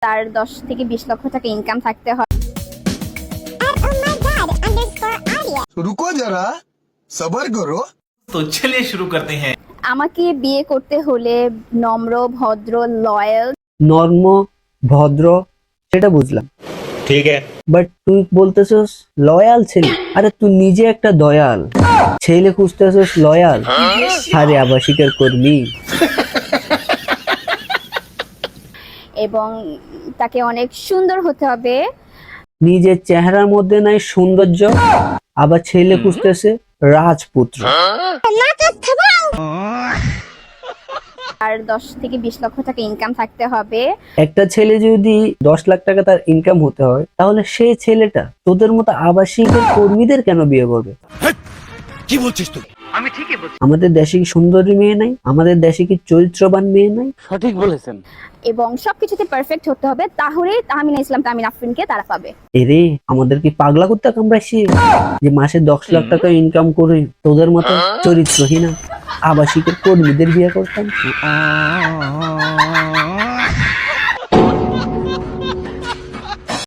তার 10 থেকে 20 লক্ষ টাকা ইনকাম থাকতে হবে। रुको जरा सबर करो। तो चलिए शुरू करते हैं। আমাকে বিয়ে করতে হলে নম্র, ভদ্র, লয়াল। নর্ম, ভদ্র, সেটা বুঝলাম, ठीक है। বাট তুই বলতেছস লয়াল ছেলে। আরে তুই নিজে একটা দয়াল ছেলে খুঁজতেছস লয়াল? আরে আবাসিকের কর্মী। এবং তাকে অনেক সুন্দর হতে হবে। নিজের চেহারার মধ্যে নাই সৌন্দর্য, আবার ছেলে খুঁজতেছে রাজপুত্র। আর 10 থেকে 20 লক্ষ টাকা ইনকাম থাকতে হবে। একটা ছেলে যদি 10 লাখ টাকা তার ইনকাম হতে হয়, তাহলে সেই ছেলেটা তোদের মতো আবাসিকের কর্মীদের কেন বিয়ে করবে? কি বলছিস তুই? আমাদের দেশে কি সুন্দরী মেয়ে নাই? আমাদের দেশে কি চরিত্রবান মেয়ে নাই? সঠিক বলেছেন। এবং সবকিছুতে পারফেক্ট হতে হবে, তাহলেই তাহমিনা ইসলাম তাহমিনা আফরিনকে তারা পাবে। এরে আমাদের কি পাগলা করতে কামড়াইছি যে মাসে 10 লাখ টাকা ইনকাম করে তোদের মতো চরিত্রহীন আবাসিকের কর্মীদের বিয়ে করতাম?